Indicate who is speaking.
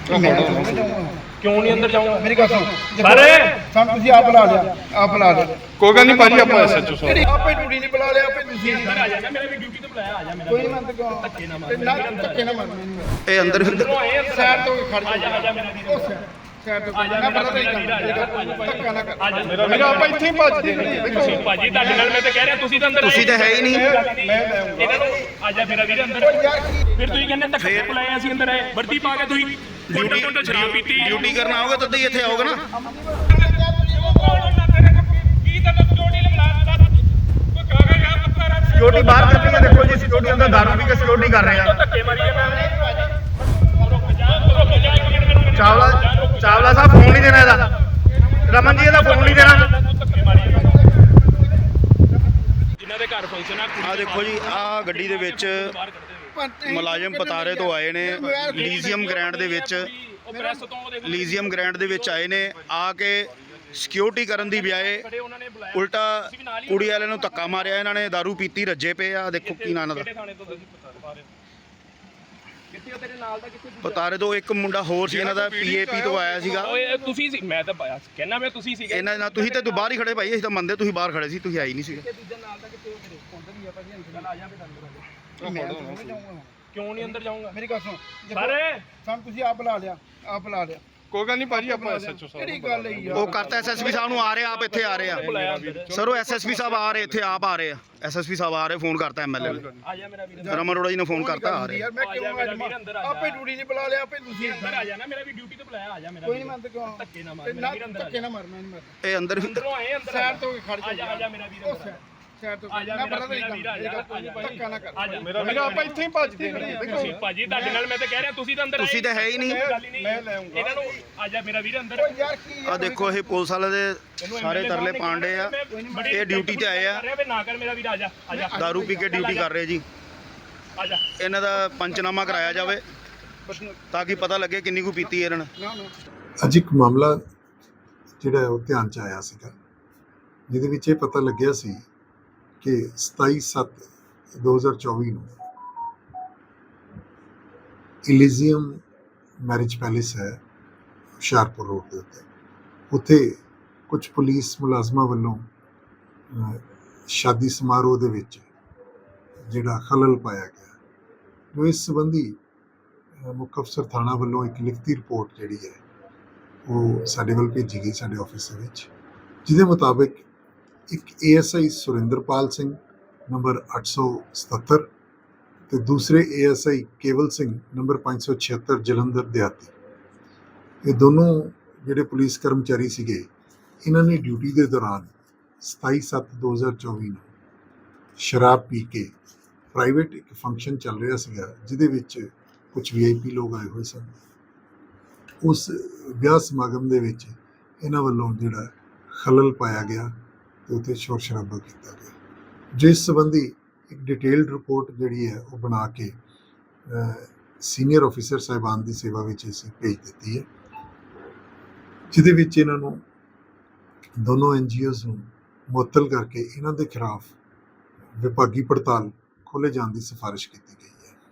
Speaker 1: क्यों नहीं अंदर जाऊंगा?
Speaker 2: मेरी गल सुन
Speaker 1: अरे
Speaker 2: ਸਾਨੂੰ ਤੁਸੀਂ ਆਪ ਬੁਲਾ ਲਿਆ
Speaker 3: ਕੋਈ ਗੱਲ ਨਹੀਂ ਭਾਜੀ ਆਪਾਂ ਐਸਐਚਓ ਸਾਹਿਬ
Speaker 2: ਆਪੇ ਡਿਊਟੀ ਨਹੀਂ ਬੁਲਾ ਲਿਆ ਆਪੇ ਤੁਸੀਂ
Speaker 1: अंदर आ जाना, मेरा भी ड्यूटी तो बुलाया, आ जा मेरा।
Speaker 2: ਕੋਈ ਨਹੀਂ ਮੰਨਦੇ ਕਿਉਂ
Speaker 1: धक्के ना मार,
Speaker 2: ਤੇ ਨਾ ਧੱਕੇ ਨਾ ਮਾਰ
Speaker 3: ਇਹ ਅੰਦਰ
Speaker 1: अंदरों आए अंदर।
Speaker 2: ਸਾਈਡ ਤੋਂ ਖੜ
Speaker 1: आ जा, आ जा मेरा वीर।
Speaker 2: ਜਾ ਸਾਈਡ ਤੋਂ
Speaker 1: आ जा
Speaker 2: ਨਾ
Speaker 1: मेरा
Speaker 2: ਪਤਾ
Speaker 1: वीर, आ जा।
Speaker 2: ਧੱਕਾ ਨਾ ਕਰ
Speaker 1: आ जा
Speaker 3: ਮੇਰਾ ਆਪਾਂ ਇੱਥੇ ਹੀ ਭੱਜਦੇ ਨੇ
Speaker 1: ਤੁਸੀਂ ਭਾਜੀ ਤੁਹਾਡੇ ਨਾਲ ਮੈਂ ਤਾਂ ਕਹਿ ਰਿਹਾ ਤੁਸੀਂ ਤਾਂ ਅੰਦਰ
Speaker 3: ਤੁਸੀਂ ਤਾਂ ਹੈ ਹੀ ਨਹੀਂ।
Speaker 1: ਇਹਨਾਂ ਨੂੰ ਆ ਜਾ ਮੇਰਾ ਵੀਰ ਅੰਦਰ।
Speaker 2: ਯਾਰ ਕੀ
Speaker 1: ਫਿਰ ਤੁਸੀਂ ਕਹਿੰਦੇ ਧੱਕੇ ਬੁਲਾਏ, ਅਸੀਂ ਅੰਦਰ ਆਏ ਵਰਦੀ ਪਾ ਕੇ, ਤੁਸੀਂ ਡਿਊਟੀ ਸ਼ਰਾਬ ਪੀਤੀ।
Speaker 3: ਡਿਊਟੀ ਕਰਨ ਆਓਗੇ ਤਦ ਹੀ ਇੱਥੇ ਆਓਗੇ ਨਾ।
Speaker 4: सिक्योरिटी बाहर कर रही है, देखो जी सिक्योरिटी अंदर दारू पी के सिक्योरिटी कर रहे हैं।
Speaker 1: ਧੱਕੇ ਮਾਰੀ ਜਾਂਦੇ।
Speaker 4: चावला चावला साहब फोन नहीं देना ਇਹਦਾ, ਰਮਨ ਜੀ ਇਹਦਾ ਫੋਨ ਨਹੀਂ ਦੇਣਾ।
Speaker 1: ਜਿਨ੍ਹਾਂ ਦੇ ਘਰ ਫੰਕਸ਼ਨ ਆ
Speaker 3: ਆ ਦੇਖੋ ਜੀ ਆ ਗੱਡੀ ਦੇ ਵਿੱਚ ਮੁਲਾਜ਼ਮ ਪਤਾਰੇ ਤੋਂ ਆਏ ਨੇ ਲੀਜ਼ੀਅਮ ਗ੍ਰੈਂਡ ਦੇ ਵਿੱਚ
Speaker 1: ਉਹ ਪ੍ਰੈਸ ਤੋਂ ਦੇਖੋ
Speaker 3: ਲੀਜ਼ੀਅਮ ਗ੍ਰੈਂਡ ਦੇ ਵਿੱਚ ਆਏ ਨੇ ਆ ਕੇ ਸਿਕਿਉਰਿਟੀ ਕਰਨ ਦੀ ਬਜਾਏ
Speaker 1: ਖੜੇ ਉਹਨਾਂ ਨੇ ਬੁਲਾਇਆ।
Speaker 3: ਉਲਟਾ ਕੁੜੀ ਵਾਲਿਆਂ ਨੂੰ ਧੱਕਾ ਮਾਰਿਆ ਇਹਨਾਂ ਨੇ। ਦਾਰੂ ਪੀਤੀ ਰੱਜੇ ਪਏ ਆ। ਦੇਖੋ ਕੀ ਨਾਂ ਦਾ
Speaker 1: ਕਿਹੜੇ ਥਾਣੇ ਤੋਂ ਤੁਸੀਂ ਪਤਾ ਰਹੇ ਕਿੱਥੇ ਤੇਰੇ ਨਾਲ ਦਾ ਕਿੱਥੇ
Speaker 3: ਪਤਾਰੇ ਤੋਂ ਇੱਕ ਮੁੰਡਾ ਹੋਰ ਸੀ ਇਹਨਾਂ ਦਾ ਪੀਏਪੀ ਤੋਂ ਆਇਆ ਸੀਗਾ।
Speaker 1: ਓਏ ਤੁਸੀਂ ਸੀ, ਮੈਂ ਤਾਂ ਕਹਿਣਾ ਮੈਂ ਤੁਸੀਂ ਸੀਗੇ।
Speaker 3: ਇਹਨਾਂ ਨਾਲ ਤੁਸੀਂ ਤਾਂ ਬਾਹਰ ਹੀ ਖੜੇ ਭਾਈ, ਅਸੀਂ ਤਾਂ ਮੰਨਦੇ ਤੁਸੀਂ ਬਾਹਰ ਖੜੇ ਸੀ, ਤੁਸੀਂ ਆਈ ਨਹੀਂ ਸੀਗੇ।
Speaker 1: ਦੂਜਾ ਨਾਲ ਦਾ ਕਿੱਥੇ ਤੇਰੇ ਉਧਰ ਹੀ ਆ ਭਾਜੀ, ਅੰਦਰ ਆ ਜਾ ਫਿਰ ਅੰਦਰ। ਕਿਉਂ ਨਹੀਂ ਅੰਦਰ ਜਾਊਂਗਾ?
Speaker 2: ਮੇਰੀ ਗੱਲ ਸੁਣ
Speaker 1: ਸਾਰੇ
Speaker 2: ਸਾਨੂੰ ਤੁਸੀਂ ਆਪ ਬੁਲਾ ਲਿਆ
Speaker 3: ਕੋਈ ਗੱਲ ਨਹੀਂ ਭਾਜੀ ਆਪਾਂ ਐਸਐਚਓ
Speaker 2: ਕਿਹੜੀ ਗੱਲ ਹੈ ਯਾਰ
Speaker 3: ਉਹ ਕਰਤਾ ਐਸਐਸਪੀ ਸਾਹਿਬ ਨੂੰ ਆ ਰਹੇ ਆਪ ਇੱਥੇ ਆ ਰਹੇ ਆ ਸਰ। ਉਹ ਐਸਐਸਪੀ ਸਾਹਿਬ ਆ ਰਹੇ ਇੱਥੇ ਆਪ ਆ ਰਹੇ ਆ। ਐਸਐਸਪੀ ਸਾਹਿਬ ਆ ਰਹੇ, ਫੋਨ ਕਰਤਾ ਐਮਐਲਏ ਨੂੰ,
Speaker 1: ਆ ਜਾ ਮੇਰਾ ਵੀਰ।
Speaker 3: ਰਮਨ ਅਰੋੜਾ ਜੀ ਨੇ ਫੋਨ ਕਰਤਾ ਆ ਰਹੇ।
Speaker 2: ਯਾਰ ਮੈਂ ਕਿਉਂ ਆਪੇ ਡਿਊਟੀ ਨਹੀਂ ਬੁਲਾ ਲਿਆ ਆਪੇ ਤੁਸੀਂ
Speaker 1: ਅੰਦਰ ਆ ਜਾਣਾ, ਮੇਰਾ ਵੀ ਡਿਊਟੀ ਤੇ ਬੁਲਾਇਆ, ਆ ਜਾ ਮੇਰਾ
Speaker 2: ਕੋਈ ਨਹੀਂ ਮੰਨਦੇ ਕਿਉਂ
Speaker 1: ਧੱਕੇ ਨਾ ਮਾਰ, ਮੇਰਾ ਵੀਰ ਅੰਦਰ ਆ
Speaker 2: ਧੱਕੇ ਨਾ ਮਾਰ ਮੈਂ ਨਹੀਂ ਮਾਰਦਾ
Speaker 3: ਇਹ ਅੰਦਰ
Speaker 1: ਅੰਦਰੋਂ ਆਏ ਅੰਦਰ
Speaker 2: ਸਾਈਡ ਤੋਂ ਖੜ
Speaker 1: ਆ ਜਾ, ਆ ਜਾ ਮੇਰਾ ਵੀਰ ਅੰਦਰ
Speaker 2: ਸਾਈਡ ਤੋਂ
Speaker 1: ਆ ਜਾ
Speaker 2: ਨਾ
Speaker 1: ਮੇਰਾ
Speaker 2: ਪਤਾ
Speaker 1: ਵੀਰ, ਆ ਜਾ
Speaker 2: ਧੱਕਾ ਨਾ ਕਰ
Speaker 1: ਆ ਜਾ
Speaker 3: ਮੇਰਾ ਆਪਾਂ ਇੱਥੇ ਹੀ ਭੱਜਦੇ ਨੇ।
Speaker 1: ਤੁਸੀਂ ਭਾਜੀ ਤੁਹਾਡੇ ਨਾਲ ਮੈਂ ਤਾਂ ਕਹਿ ਰਿਹਾ ਤੁਸੀਂ ਤਾਂ ਅੰਦਰ ਆਏ।
Speaker 3: ਤੁਸੀਂ ਤਾਂ ਹੈ ਹੀ ਨਹੀਂ।
Speaker 1: ਮੈਂ ਲੈ ਆਉਂਗਾ ਇਹਨਾਂ ਨੂੰ। ਆ ਜਾ ਮੇਰਾ ਵੀਰ ਅੰਦਰ।
Speaker 2: ਯਾਰ ਕੀ
Speaker 3: ਆ ਦੇਖੋ ਇਹ ਪੁਲਿਸ ਵਾਲੇ ਦੇ ਸਾਰੇ ਤਰਲੇ ਪਾਂਡੇ ਆ। ਇਹ ਡਿਊਟੀ ਤੇ ਆਏ ਆ,
Speaker 1: ਨਾ ਕਰ ਮੇਰਾ ਵੀਰ, ਆ ਜਾ, ਆ ਜਾ,
Speaker 3: ਦਾਰੂ ਪੀ ਕੇ ਡਿਊਟੀ ਕਰ ਰਹੇ ਜੀ।
Speaker 1: ਆ ਜਾ।
Speaker 3: ਇਹਨਾਂ ਦਾ ਪੰਚਨਾਮਾ ਕਰਾਇਆ ਜਾਵੇ ਤਾਂ ਕਿ ਪਤਾ ਲੱਗੇ ਕਿੰਨੀ ਕੁ ਪੀਤੀ ਇਹਨਾਂ ਨੇ।
Speaker 2: ਨਾ ਨਾ
Speaker 5: ਅੱਜ ਇੱਕ ਮਾਮਲਾ ਜਿਹੜਾ ਉਹ ਧਿਆਨ 'ਚ ਆਇਆ ਸੀਗਾ, ਜਿਹਦੇ ਵਿੱਚ ਇਹ ਪਤਾ ਲੱਗਿਆ ਸੀ ਕਿ 27/7/2024 ਨੂੰ ਇਲੀਜ਼ੀਅਮ ਮੈਰਿਜ ਪੈਲੇਸ ਹੈ ਹੁਸ਼ਿਆਰਪੁਰ ਰੋਡ ਦੇ ਉੱਤੇ ਕੁਝ ਪੁਲਿਸ ਮੁਲਾਜ਼ਮਾਂ ਵੱਲੋਂ ਸ਼ਾਦੀ ਸਮਾਰੋਹ ਦੇ ਵਿੱਚ ਜਿਹੜਾ ਖਲਲ ਪਾਇਆ ਗਿਆ, ਜੋ ਇਸ ਸੰਬੰਧੀ ਮੁੱਖ ਅਫਸਰ ਥਾਣਾ ਵੱਲੋਂ ਇੱਕ ਲਿਖਤੀ ਰਿਪੋਰਟ ਜਿਹੜੀ ਹੈ ਉਹ ਸਾਡੇ ਵੱਲ ਭੇਜੀ ਗਈ ਸਾਡੇ ਆਫਿਸ ਦੇ ਵਿੱਚ, ਜਿਹਦੇ ਮੁਤਾਬਿਕ ਇੱਕ ASI ਸੁਰਿੰਦਰਪਾਲ ਸਿੰਘ ਨੰਬਰ 877 ਤੇ ਦੂਸਰੇ ASI ਕੇਵਲ ਸਿੰਘ ਨੰਬਰ 576 ਜਲੰਧਰ ਦਿਹਾਤੀ, ਇਹ ਦੋਨੋਂ ਜਿਹੜੇ ਪੁਲਿਸ ਕਰਮਚਾਰੀ ਸੀਗੇ, ਇਹਨਾਂ ਨੇ ਡਿਊਟੀ ਦੇ ਦੌਰਾਨ 27/7/2024 ਨੂੰ ਸ਼ਰਾਬ ਪੀ ਕੇ ਪ੍ਰਾਈਵੇਟ ਇੱਕ ਫੰਕਸ਼ਨ ਚੱਲ ਰਿਹਾ ਸੀਗਾ, ਜਿਹਦੇ ਵਿੱਚ ਕੁਝ VIP ਲੋਕ ਆਏ ਹੋਏ ਸਨ। ਉਸ ਵਿਆਹ ਸਮਾਗਮ ਦੇ ਵਿੱਚ ਇਹਨਾਂ ਵੱਲੋਂ ਜਿਹੜਾ ਖਲਲ ਪਾਇਆ ਗਿਆ ਤੇ ਉੱਥੇ ਸ਼ੋਰ ਸ਼ਰਾਬਾ ਕੀਤਾ ਗਿਆ, ਜਿਸ ਸੰਬੰਧੀ ਇੱਕ ਡਿਟੇਲਡ ਰਿਪੋਰਟ ਜਿਹੜੀ ਹੈ ਉਹ ਬਣਾ ਕੇ ਸੀਨੀਅਰ ਆਫੀਸਰ ਸਾਹਿਬਾਨ ਦੀ ਸੇਵਾ ਵਿੱਚ ਅਸੀਂ ਭੇਜ ਦਿੱਤੀ ਹੈ, ਜਿਹਦੇ ਵਿੱਚ ਇਹਨਾਂ ਨੂੰ ਦੋਨੋਂ NGOs ਨੂੰ ਮੁਅੱਤਲ ਕਰਕੇ ਇਹਨਾਂ ਦੇ ਖਿਲਾਫ ਵਿਭਾਗੀ ਪੜਤਾਲ ਖੋਲ੍ਹੇ ਜਾਣ ਦੀ ਸਿਫਾਰਿਸ਼ ਕੀਤੀ ਗਈ ਹੈ।